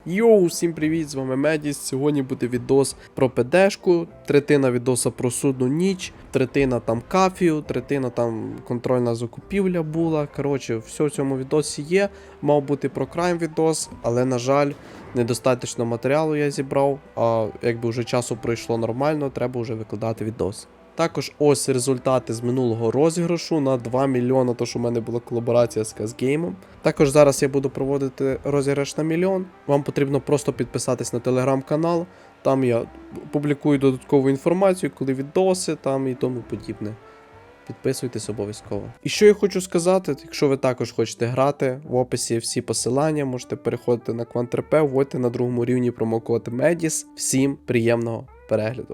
Йоу, всім привіт, з вами Медіс. Сьогодні буде відос про ПДшку, третина відоса про судну ніч, третина там кафію, третина там контрольна закупівля була. Коротше, все в цьому відосі є. Мав бути про крайм відос, але, на жаль, недостатньо матеріалу я зібрав, а якби вже часу пройшло нормально, треба вже викладати відос. Також ось результати з минулого розіграшу на 2 мільйона, то що в мене була колаборація з Казгеймом. Також зараз я буду проводити розіграш на 1 мільйон. Вам потрібно просто підписатись на телеграм-канал. Там я публікую додаткову інформацію, коли відоси там і тому подібне. Підписуйтесь обов'язково. І що я хочу сказати, якщо ви також хочете грати, в описі всі посилання, можете переходити на Quant.rp, вводьте на другому рівні промокод MEDIS. Всім приємного перегляду.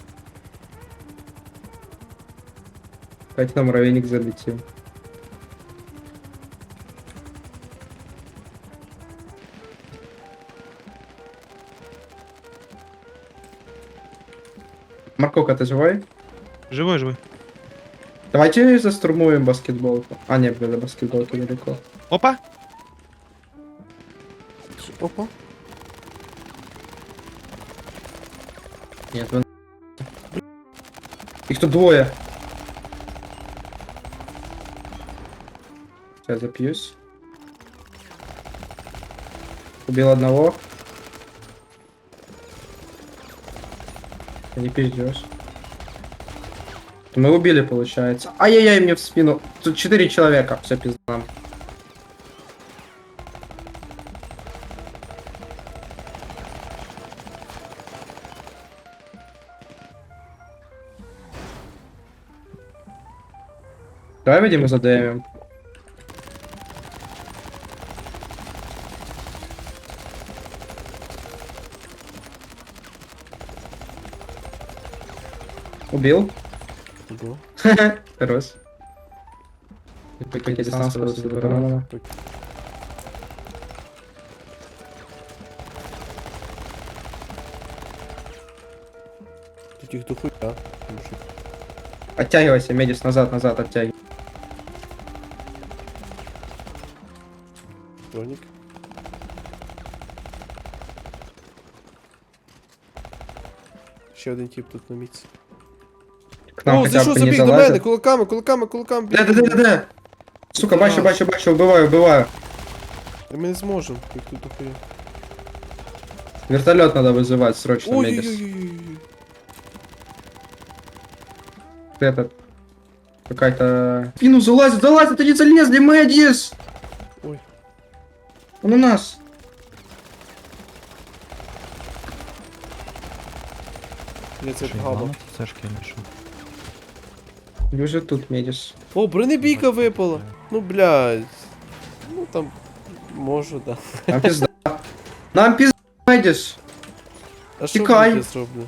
Хоть на муравейник залетел. Марковка, ты живой? Живой, живой. Давайте застурмуем баскетболку. А, нет, блин, до баскетболки далеко. Опа! Опа. Нет, вы... Их тут двое. Сейчас запьюсь. Убил одного. Не пиздешь. Мы убили, получается. Ай-яй-яй, мне в спину. Тут 4 человека. Все, пизда нам. Давай выйдем и задавим. Убил. Ого. Хорош. Какие дистанции просто забрала. Тут їх дохуя. Мужик. Оттягивайся, Медис, назад, назад, оттягивай. Бронік. Ще один тип тут на місці. К нам О, хотя зайшов, бы не забіг до мене, залазит. кулаками. Да. Сука, бачу, убиваю. Ми не зможемо, їх тут дохуя. Вертолет надо вызывать срочно, Медис. Ой-ой-ой. Этот... Какая-то... Спину залазит, они залезли, Медис! Ой. Он у нас. Я це габа. Це ж кінчу. Уже тут, Медис. О, бронебійка випала. Ну, блядь. Ну, там... Можу, да. Нам пизда. Нам пизда, Медис! А що Тікай. я зроблю?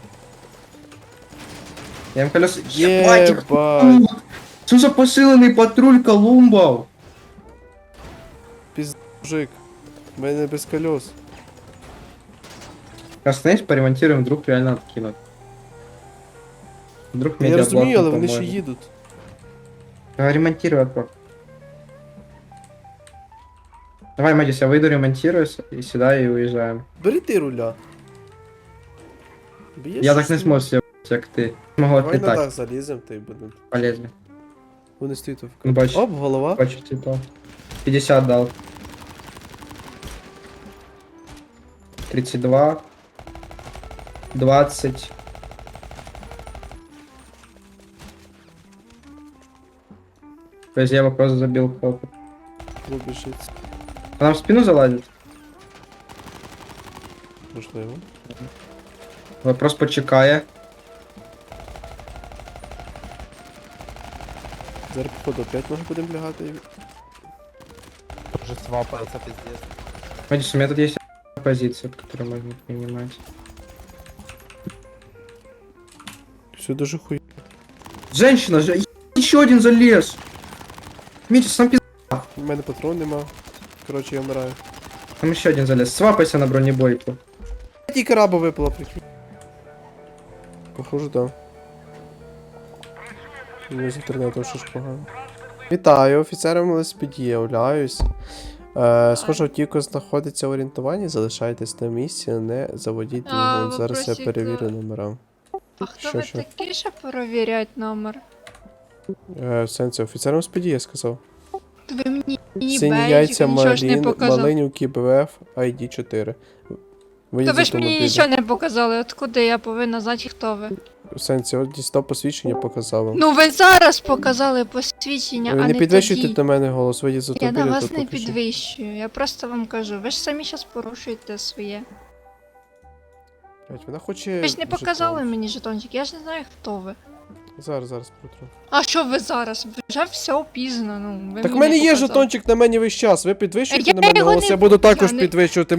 Я им колеса... Єбать. Что за посиленный патруль Колумбов? Мужик. У мене без колес. Остановись, поремонтируем, вдруг реально откинут. Вдруг Я медиаблок розумію, не але вони ще поможет. їдуть. Ремонтируй, Аква. Давай, Мэдис, я выйду, ремонтируюсь, и сюда, и уезжаем. Бери ти руля. Б'єш Я так не щось? смог себе, как ты. Могу Давай на отлетать, дах залізем, та й будемо. полезли. Вони стоїть в Ну, бачу, Оп, голова. бачу, типа. 50 дал. 32. 20. То есть я его просто забил в попу. Вибіжить. А нам в спину залазит? Можливо. Вопрос почекає. Зараз, походу, опять може будемо лягати. Уже свапается, пиздец. Мэдис, у меня тут есть позиция, которую можно принимать. Все дуже хуй. Женщина же! Еще один залез! Митя, сам пиз... У мене патрон нема. Коротше, я вмираю. Там еще один залез. Свапайся на бронебойку. Тільки раба випала, прикинь. Похоже, да. У мене з інтернетом ще ж погано. Вітаю, офіцером ЛСПД, являюсь. Схоже, автівка знаходиться в орієнтуванні, залишайтесь на місці, не заводіть А, двигун. Зараз я вопросик, перевірю номера. А хто Що, ви що? такі, що перевіряють номер? В сенсі, офіцером спіді я сказав. Ви мені Сині бейджик, яйця, нічого ж не показав. Малинівки, БВФ, ID 4. Та Виїзд ви з ж мені автомобіля. нічого не показали, откуда я повинна знати, хто ви. В сенсі, от дістав посвідчення, показав вам. Ну ви зараз показали посвідчення, Ви а не не підвищуйте тоді. до мене голос, виїзд з Я автомобіля. на вас тут не покажіть. підвищую, я просто вам кажу, ви ж самі зараз порушуєте своє. Блядь, вона хоче... Ви ж не показали жетон. мені жетончик, я ж не знаю, хто ви. Зараз протру. А що ви зараз? Вже все пізно, ну ви Так в мені мене не є показали. жетончик на мені весь час. Ви підвищуєте Я на мене його голос, не- я буду також я не- підвищувати.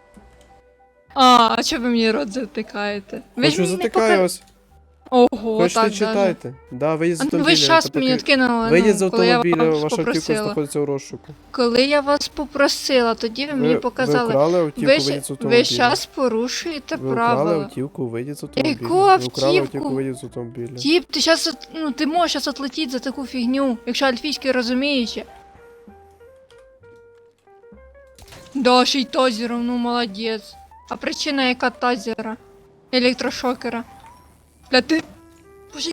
А чого ви мені рот затикаєте? Ви ж Хочу мені не затикаю пока... вас. Ого, Хочете так даже. читайте. Да, виїзд з А ну автомобіля. ви ж час Тобто мені відкинули, Виїзд з ну, коли я автомобіля, вас ваша автівка попросила. знаходиться у розшуку. Коли я вас попросила, тоді ви мені показали. Ви украли автівку, Ви виїзд з ж автомобіля. зараз порушуєте Ви украли правила. автівку, виїзд з автомобіля. Яку Ви украли автівку? автівку, виїзд з автомобіля. Тіп, ти щас, ну ти можеш зараз отлетіти за таку фігню, якщо альфійський розуміючи. Да, ще й тазером, ну молодець. А причина яка тазера? Електрошокера. Бля, ти... Боже,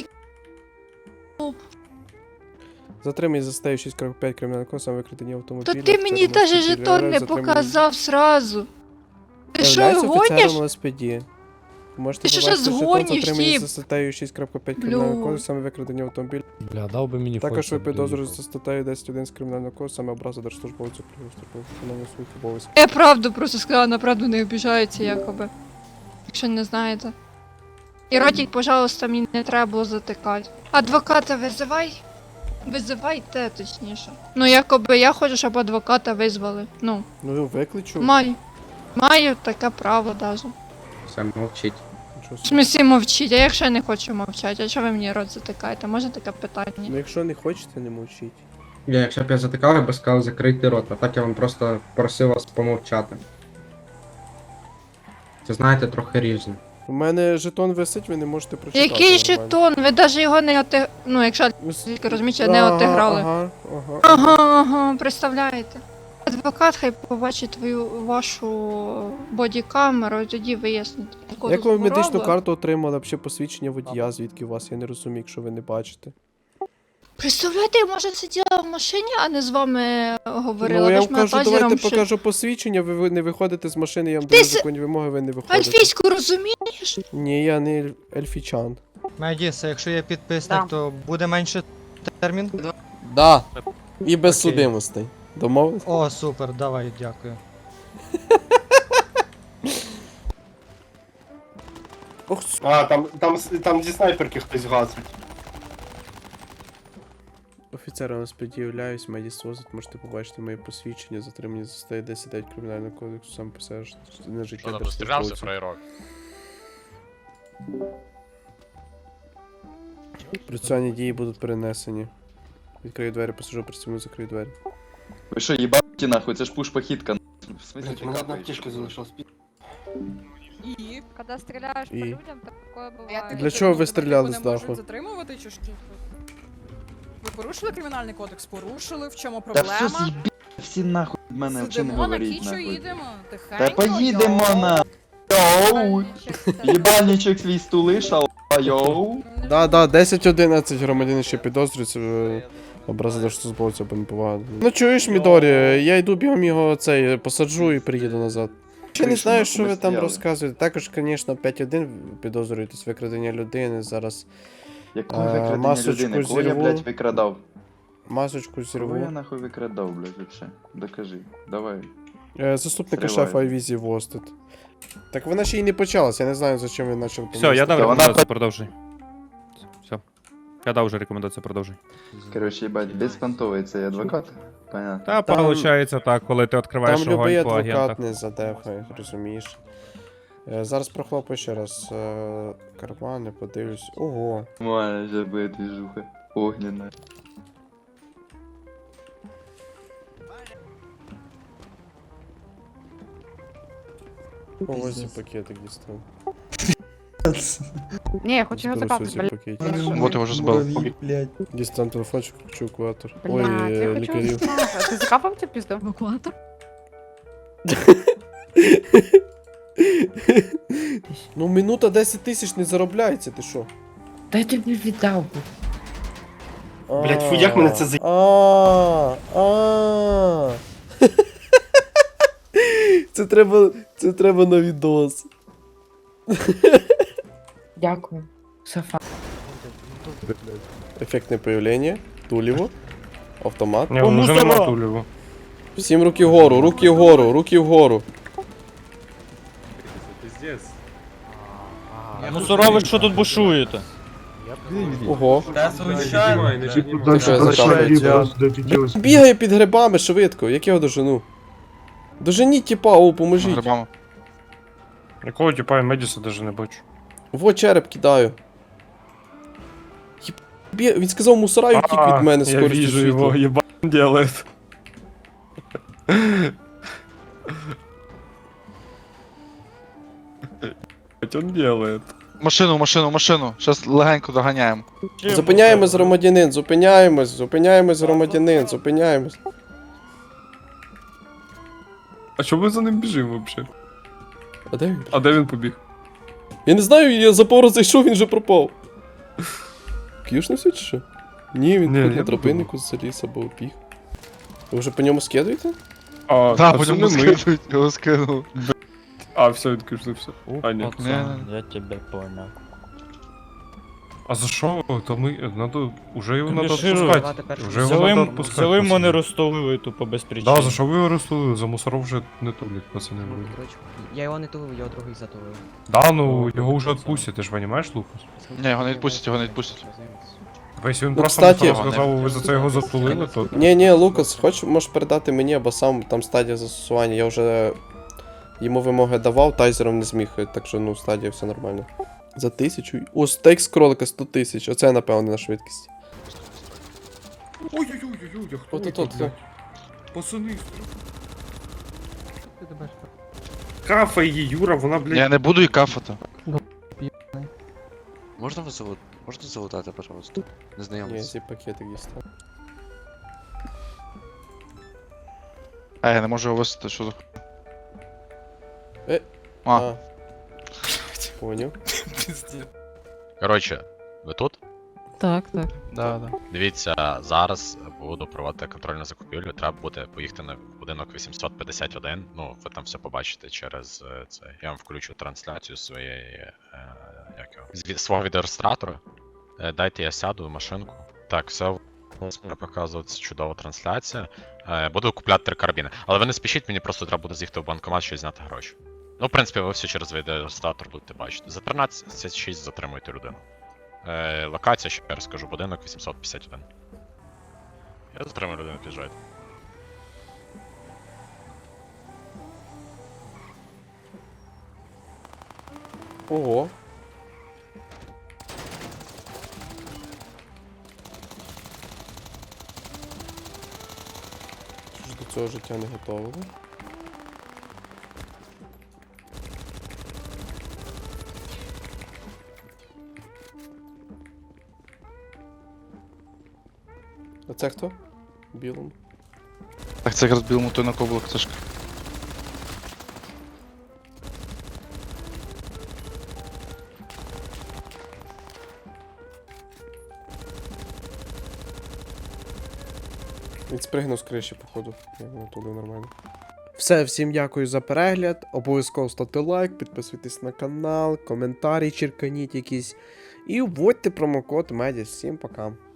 Затриманий за статтею 6.5 кримінального кодексу, викрадення автомобіля. то ти мені офіцером даже ЛСПД, жетон не затриманий- показав сразу. Ти що, Являється гониш? офіцером ЛСПД. Можете Ти що, побачити щас жетон, гониш, затриманий тіп? за статтею 6.5 кримінального Блю. кодексу, саме викрадення автомобіля. Бля, дав би мені Також ви фото, підозрюєте блін. за статтею 10.1 з кримінального кодексу, саме образа держслужбовцю при виконанні своїх обов'язків. Я правду просто сказала, на правду не обіжаються якоби. Якщо не знаєте. І ротик, пожалуйста, мені не треба було затикати. Адвоката визивай. Визивайте, точніше. Ну, якоби я хочу, щоб адвоката визвали. Ну, Ну, викличу. маю. Маю таке право даже. Все, мовчить. Нічого В собі. смислі мовчіть, а якщо я не хочу мовчати, а чого ви мені рот затикаєте? Може таке питання? Ну, якщо не хочете, не мовчіть. Якщо б я затикав, я б сказав закрити рот, а так я вам просто просив вас помовчати. Це знаєте, трохи різне. У мене жетон висить, ви не можете прочитати. Який нормально. жетон? Ви навіть його не отиг... Ну, якщо тільки розумієте, не Ага, отиграли. Ага. Ага, представляєте. Адвокат хай побачить твою вашу бодікамеру і тоді вияснить. Як ви медичну карту отримали, взагалі посвідчення водія, звідки у вас? Я не розумію, якщо ви не бачите. Представляєте, я може сиділа в машині, а не з вами говорила. Ну, Ви я ж вам мене кажу, тазером давайте ще- покажу посвідчення, ви не виходите з машини, я вам Ти даю с- законні вимоги, ви не виходите. Альфійську розумієш? Ні, я не ельфічан. Медіс, якщо я підписник, Да. то буде менше термін? Да. І без Окей. судимостей. Домовились? О, супер, давай, дякую. Ох, А, там зі снайперки хтось гасить. Офіцером нас пред'являюсь, медіс возить, можете побачити моє посвідчення, затримані за статтею 10 кримінального кодексу, сам писаєш на життя Що там стрілявся, держслужбовців. фраєрок? Процесуальні дії будуть перенесені. Відкрию двері, посажу працівну, закрию двері. Ви що, їбаті нахуй, це ж пуш-похитка. В смысле, Блять, ти у мене одна капаєш? аптечка залишилась. И когда стреляешь по И? людям, такое бывает. Для чого ви стріляли з даху? Можуть затримувати чи що? Ви порушили кримінальний кодекс? Порушили, в чому Та все проблема? з'їбі, всі нахуй в мене взагалі не Сидимо на говоріть кічу, нахуй. їдемо, тихенько. Та поїдемо на. Йоу! Їбальничок свій стулиш, а йоу! Да, 10-11 громадян ще підозрюється образи держслужбовця або неповага. Ну чуєш, Мідорі, я йду бігом його цей, посаджу і приїду назад. Ще не Чуєш, знаю, ми що ви там стояли. розказуєте. Також, звісно, 5-1 підозрюєтесь викрадення людини. Зараз Якого викрадення масочку людини? Кого я, зірву. блядь, викрадав? масочку Кого я зірву. нахуй викрадав, блядь, вообще? Докажи, давай. Заступника Зриваю. шефа Айвізі Востед. Так вона ще й не почалась, я не знаю, за чим він почав. Все, я дав Та вона рекомендацію, продовжуй. Все. Я дав вже рекомендацію, продовжуй. Короче, їбать, безпонтовий цей адвокат. Понятно. Та, Там- виходить так, коли ти відкриваєш Там любий огонь по адвокат агентах. не задефає, розумієш. Зараз прохлопаю ще раз кармани, подивлюсь. Ого. Має вже буде движуха. Огненна. Ось і пакетик дістав. Не, я хочу його Зберу закапати, ці блядь. пакетики. Вот его уже збив. Дістан телефончик, включу евакуатор. Блядь, Ой, я хочу лікарів. закапати. Ти закапав цю пізду? Евакуатор? Ну, минута 10 тисяч не заробляється, ти що? Та я тобі віддав. Блядь, фу, як мене це за... Це треба на відос. Дякую. Софа. Ефектне появлення, туліво, автомат. Ні, вже нема туліву. Всім руки вгору, руки вгору, руки вгору. Мусора, ви що тут бушуєте? Ого. Звичайно. Ти що, закапується? Бігає під грибами швидко, як я його дожену? Доженіть тіпа, о, поможіть. Якого типа я Медіса даже не бачу. Во череп кидаю. Він сказав мусора і втік від мене я скорістю вижу его, світла. ебать делает. Ебать он делает. Машину. Щас легенько доганяємо. Зупиняємось, громадянин, зупиняємось, громадянин, зупиняємось. А чому ми за ним біжимо вообще? А де він? А де він побіг? Я не знаю, я за пору зайшов, він вже пропав. К'юшнувся чи що? Ні, він Ні, тут я на тропиннику заліз або біг. Ви вже по ньому скидуєте? А, Так, це потім не ми. його скинув. А, все, відкришився. А, ні. Я тебе понял. А за що? То ми, надо, уже його надо Конечно, відпускати. Вже його надо відпускати. Взяли мене пацани. розтолили тупо без причини. Да, за що ви його розтулили? За мусоров вже не тулять, пацани. Я його не тулив, його другий затулив. Да, ну, його вже відпустять, ти ж розумієш, Лукас? Ні, його не відпустять. Якщо він Ну, просто кстати- мусоров сказав, ви за це його затулили, то... Ні, Лукас, можеш передати мені, або сам там стадія застосування. Я вже йому вимоги давав, тайзером не зміг, так що ну стадія все нормально. За 1000? О, стейк з кролика 100 тисяч. Оце, напевно, на швидкість. Ой-ой-ой, а хто От, це, от. блядь? Пацани. Кафе її, Юра, вона, блядь... Я не буду і кафати. Можна залутати, пожалуйста? Ні, Незнайомець. зі пакетик дістав. А, я не можу його висити, що за... А. Поняв. Коротше, ви тут? Так. Да. Дивіться, зараз буду проводити контрольну закупівлю. Треба буде поїхати на будинок 851. Ну, ви там все побачите через це. Я вам включу трансляцію своєї свого відеореєстратора. Дайте я сяду в машинку. Так, все буде показувати чудова трансляція. Буду купляти 3 карабіни. Але ви не спішіть, мені просто треба буде з'їхати в банкомат, щоб зняти гроші. Ну, в принципі, ви все через відеореєстратор будете бачити. За 13.6 затримуйте людину. Локація, ще раз скажу, будинок 851. Я затримую людину, під'їжджайте. Ого. Що ж до цього життя не готовили? А це хто? Білому. Так це якраз білому той на кого була кташка. Він спригнув з криші, походу. Я його туди нормально. Все, всім дякую за перегляд. Обов'язково ставте лайк, підписуйтесь на канал, коментарі черканіть якісь. І вводьте промокод MEDIAS. Всім пока.